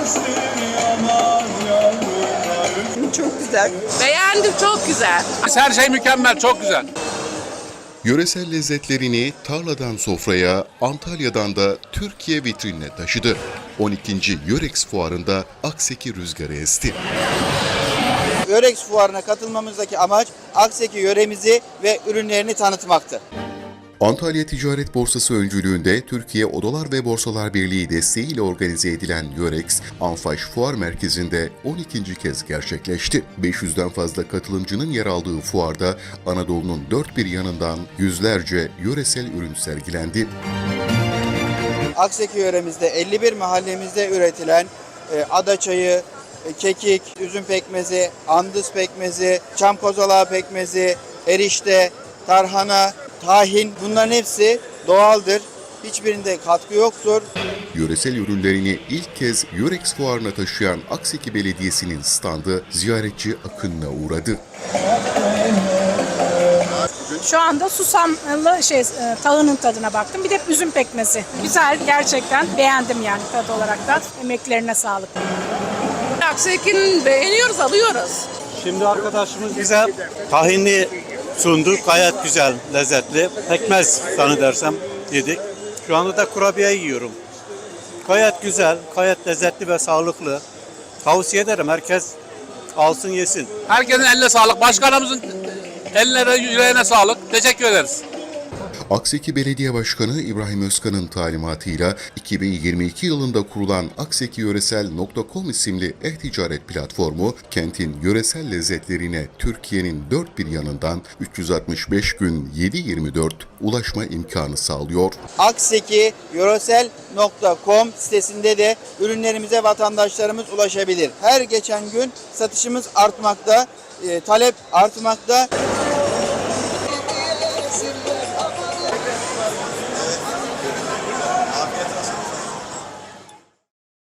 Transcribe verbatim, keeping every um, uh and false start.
Çok güzel. Beğendim, çok güzel. Her şey mükemmel, çok güzel. Yöresel lezzetlerini tarladan sofraya, Antalya'dan da Türkiye vitrinine taşıdı. on ikinci Yörex Fuarı'nda Akseki rüzgarı esti. Yörex Fuarı'na katılmamızdaki amaç Akseki yöremizi ve ürünlerini tanıtmaktı. Antalya Ticaret Borsası öncülüğünde Türkiye Odalar ve Borsalar Birliği desteğiyle organize edilen Yörex, Anfaş Fuar Merkezi'nde on ikinci kez gerçekleşti. beş yüzden fazla katılımcının yer aldığı fuarda Anadolu'nun dört bir yanından yüzlerce yöresel ürün sergilendi. Akseki yöremizde elli bir mahallemizde üretilen e, ada çayı, e, kekik, üzüm pekmezi, andız pekmezi, çam kozalağı pekmezi, erişte, tarhana, tahin, bunların hepsi doğaldır. Hiçbirinde katkı yoktur. Yöresel ürünlerini ilk kez Yörex Fuarı'na taşıyan Akseki Belediyesi'nin standı ziyaretçi akınına uğradı. Şu anda susamlı şey tahının tadına baktım. Bir de üzüm pekmezi. Güzel, gerçekten beğendim yani tadı olarak da. Emeklerine sağlık. Akseki'nin beğeniyoruz, alıyoruz. Şimdi arkadaşımız bize tahinli sundu. Gayet güzel, lezzetli. Pekmez zannedersem yedik. Şu anda da kurabiye yiyorum. Gayet güzel, gayet lezzetli ve sağlıklı. Tavsiye ederim, herkes alsın yesin. Herkesin eline sağlık. Başkanımızın ellerine, yüreğine sağlık. Teşekkür ederiz. Akseki Belediye Başkanı İbrahim Özkan'ın talimatıyla iki bin yirmi iki yılında kurulan aksekiyöresel nokta com isimli e-ticaret platformu, kentin yöresel lezzetlerine Türkiye'nin dört bir yanından üç yüz altmış beş gün yedi yirmi dört ulaşma imkanı sağlıyor. akseki yöresel nokta com sitesinde de ürünlerimize vatandaşlarımız ulaşabilir. Her geçen gün satışımız artmakta, e, talep artmakta.